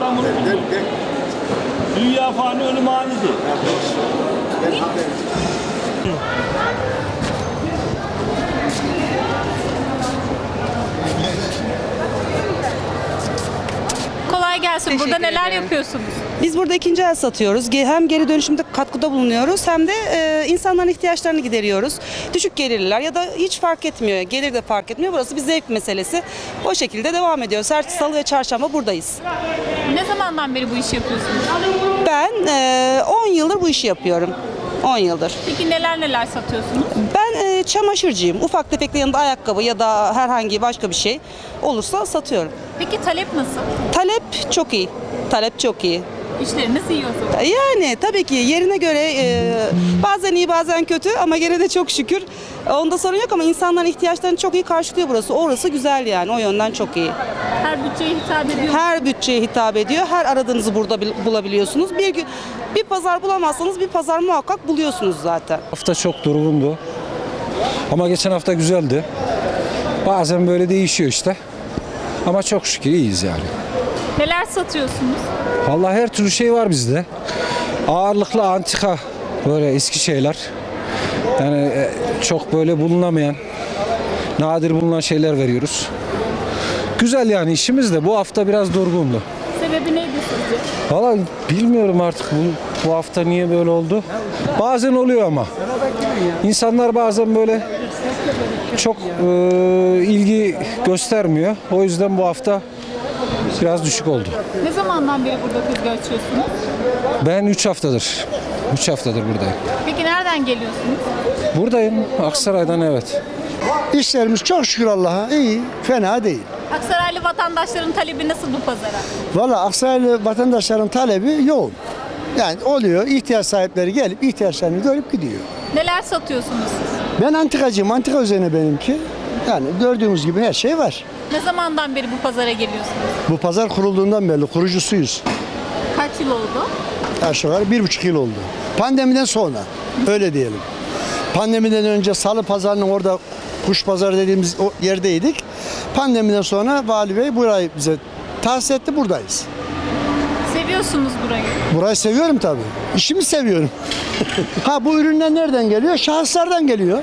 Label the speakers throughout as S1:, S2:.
S1: İstanbul dünya fani ölüm hanidir.
S2: Kolay gelsin. Burada neler
S3: ederim.
S2: yapıyorsunuz?
S3: Biz burada ikinci el satıyoruz. Hem geri dönüşümde katkıda bulunuyoruz hem de insanların ihtiyaçlarını gideriyoruz. Düşük gelirliler ya da hiç fark etmiyor. Gelir de fark etmiyor. Burası bir zevk meselesi. O şekilde devam ediyoruz. Her salı ve çarşamba buradayız.
S2: Ne zamandan beri bu işi yapıyorsunuz?
S3: Ben 10 yıldır bu işi yapıyorum. 10 yıldır.
S2: Peki neler satıyorsunuz?
S3: Ben çamaşırcıyım. Ufak tefekle yanında ayakkabı ya da herhangi başka bir şey olursa satıyorum.
S2: Peki talep nasıl?
S3: Talep çok iyi. Talep çok iyi.
S2: İşleriniz iyi o zaman.
S3: Yani tabii ki yerine göre bazen iyi bazen kötü ama gene de çok şükür onda sorun yok ama insanların ihtiyaçlarını çok iyi karşılıyor burası. Orası güzel yani o yönden çok iyi.
S2: Her bütçeye hitap ediyor mu?
S3: Her bütçeye hitap ediyor. Her aradığınızı burada bulabiliyorsunuz. Bir pazar bulamazsanız bir pazar muhakkak buluyorsunuz zaten.
S4: Hafta çok durgundu. Ama geçen hafta güzeldi. Bazen böyle değişiyor işte. Ama çok şükür iyiyiz yani.
S2: Neler satıyorsunuz?
S4: Vallahi her türlü şey var bizde. Ağırlıklı antika böyle eski şeyler. Yani çok böyle bulunamayan, nadir bulunan şeyler veriyoruz. Güzel yani işimiz de bu hafta biraz durgundu.
S2: Sebebi neydi sizce?
S4: Vallahi bilmiyorum artık bu hafta niye böyle oldu. Bazen oluyor ama. İnsanlar bazen böyle çok ilgi göstermiyor. O yüzden bu hafta biraz düşük oldu.
S2: Ne zamandan beri burada tezgah açıyorsunuz?
S4: Ben 3 haftadır. 3 haftadır buradayım.
S2: Peki nereden geliyorsunuz?
S4: Buradayım. Aksaray'dan evet.
S5: İşlerimiz çok şükür Allah'a iyi, fena değil.
S2: Aksaraylı vatandaşların talebi nasıl bu pazara?
S5: Valla Aksaraylı vatandaşların talebi yoğun. Yani oluyor, ihtiyaç sahipleri gelip ihtiyaçlarını görüp gidiyor.
S2: Neler satıyorsunuz siz?
S5: Ben antikacıyım, antika üzerine benimki. Yani gördüğümüz gibi her şey var.
S2: Ne zamandan beri bu pazara geliyorsunuz?
S5: Bu pazar kurulduğundan beri kurucusuyuz.
S2: Kaç yıl oldu?
S5: Aşağı yukarı 1,5 yıl oldu. Pandemiden sonra, öyle diyelim. Pandemiden önce Salı Pazarı'nın orada kuş pazarı dediğimiz o yerdeydik. Pandemiden sonra Vali Bey burayı bize tahsis etti, buradayız.
S2: Seviyorsunuz burayı.
S5: Burayı seviyorum tabii. İşimi seviyorum. Ha bu ürünler nereden geliyor? Şahıslardan geliyor.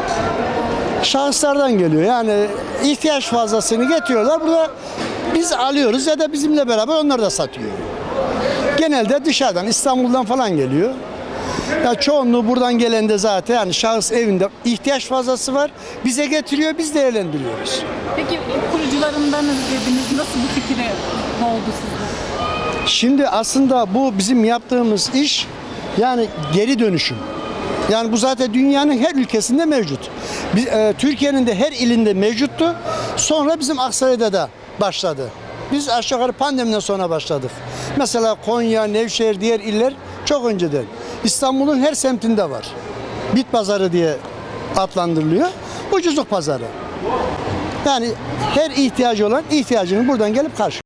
S5: Şahıslardan geliyor. Yani ihtiyaç fazlasını getiriyorlar. Burada biz alıyoruz ya da bizimle beraber onlar da satıyor. Genelde dışarıdan, İstanbul'dan falan geliyor. Ya çoğunluğu buradan gelen de zaten yani şahıs evinde ihtiyaç fazlası var. Bize getiriyor, biz değerlendiriyoruz.
S2: Peki kurucularındanız dediniz. Nasıl bu fikre oldu sizde?
S5: Şimdi aslında bu bizim yaptığımız iş yani geri dönüşüm. Yani bu zaten dünyanın her ülkesinde mevcut. Türkiye'nin de her ilinde mevcuttu. Sonra bizim Aksaray'da da başladı. Biz aşağı yukarı pandemiden sonra başladık. Mesela Konya, Nevşehir, diğer iller çok önceden. İstanbul'un her semtinde var. Bit pazarı diye adlandırılıyor. Ucuzluk pazarı. Yani her ihtiyacı olan ihtiyacını buradan gelip karşılıyor.